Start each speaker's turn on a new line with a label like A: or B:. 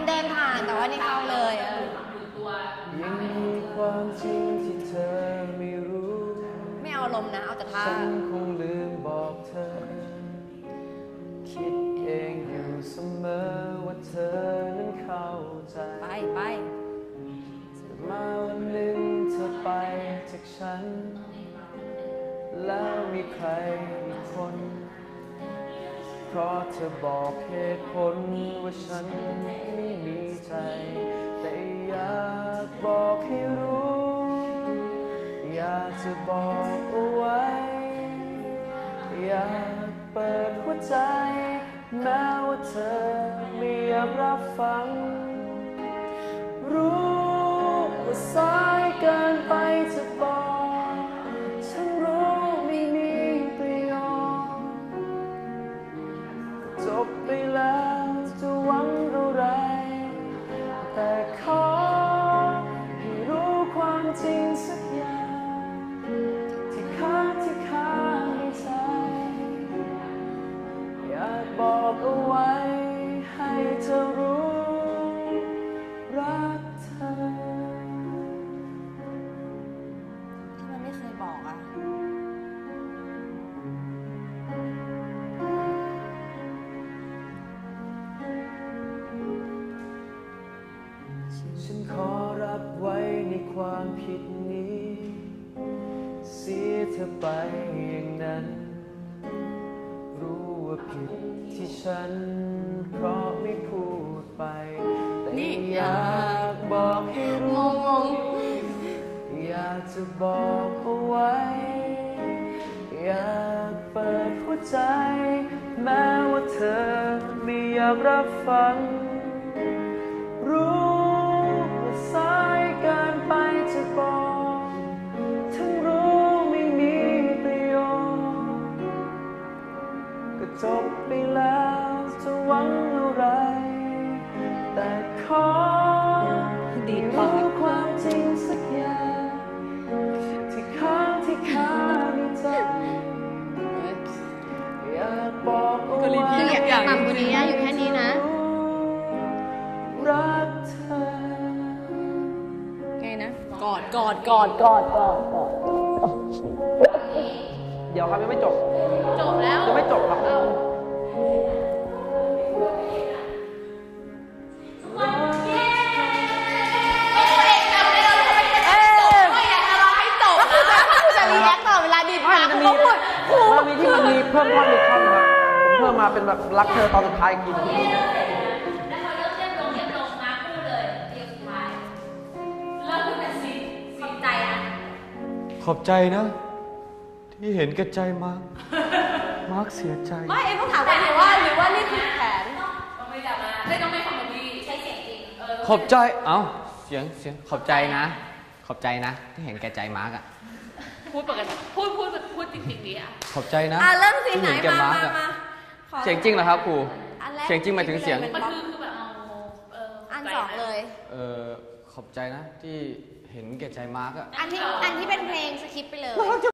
A: เดินผ่านแต่ว่านี่เข้าเลย
B: ยังมีความจริงที่เธอไม่รู้
A: ไม่เอาลมนะเอาแต่ท่า
B: ฉันคงลืมบอกเธอคิดเองอยู่เสมอว่าเธอนั้นเข้าใจ
A: ไป
B: มาวันหนึ่งเธอไปจากฉันแล้วมีใครอีกคนเพราะเธอบอกเหตุผลว่าฉันไม่มีใจแต่อยากบอกให้รู้อยากจะบอกเอาไว้อยากเปิดหัวใจแม้ว่าเธอไม่อยากรับฟังรู้ว่าสายเกินไปจะบอกฉันรู้ไม่มีประโยชน์จบไปแล้วจะหวังอะไรแต่ขอให้รู้ความจริงสักอย่างที่ค้างในใจอยากบอกเอาไว้ให้เธอรู้รักเธอ
A: ที่มันไม่เคยบอกอ่ะ
B: ฉันขอรับไว้ในความผิดนี้เสียเธอไปอย่างนั้นรู้ว่าผิดที่ฉันเพราะไม่พูดไปแต่อยากบอกให้รู้อยากจะบอกเอาไว้อยากเปิดหัวใจแม้ว่าเธอไม่อยากรับฟังรู้ว่าสายเกินไปจะบอกทั้งรู้ไม่มีประโยชน์ก็จบไปแล้วจะหวังอะไรแต่ขอให้รู้ความจริงสักอย่างที่ค้างในใจอยากบอกเอาไว้
A: คืออยากต่ำกว่านี้นะอยู่แค่นี้นะ
B: รักเธอ
A: ไงนะกอด
B: เดี๋ยวครับยังไม่จบ
A: แล้ว
B: ยังไม่จบครับมันมีที่มันมีเพิ่มท่อนอีกท่อนครับผมเพิ่มมาเป็นแบบรักเธอตอนสุดท้ายอีกทีนึง
C: แล้วพอเริ่มเรียบลงมาพูดเลยเรียบสุดท้ายเริ่มเป็นสิขอบใจนะ
B: ขอบใจนะที่เห็นแก่ใจมาร์คเสียใจ
A: ไม่เอ็มต้องถามกันหรือว่านี่คือแผน
C: ต้องไม่จับมาต้องไม่คอมเมดี้ใช้เสียงจริง
B: ขอบใจเสียงขอบใจนะที่เห็นแก่ใจมาร์คอะ
C: พูดปกติพูดจริงๆดีอ่ะ
B: ขอบใจนะ
A: เริ่มสิไหนมา
B: เสียงจริงเหรอครับครูเสียงจริงหมายถึงเสียง
C: มันคือแบบ
A: อันสองเลย
B: ขอบใจนะที่เห็นแก่ใจมาร์คอะ
A: อันที่เป็นเพลงสคริปต์ไปเลย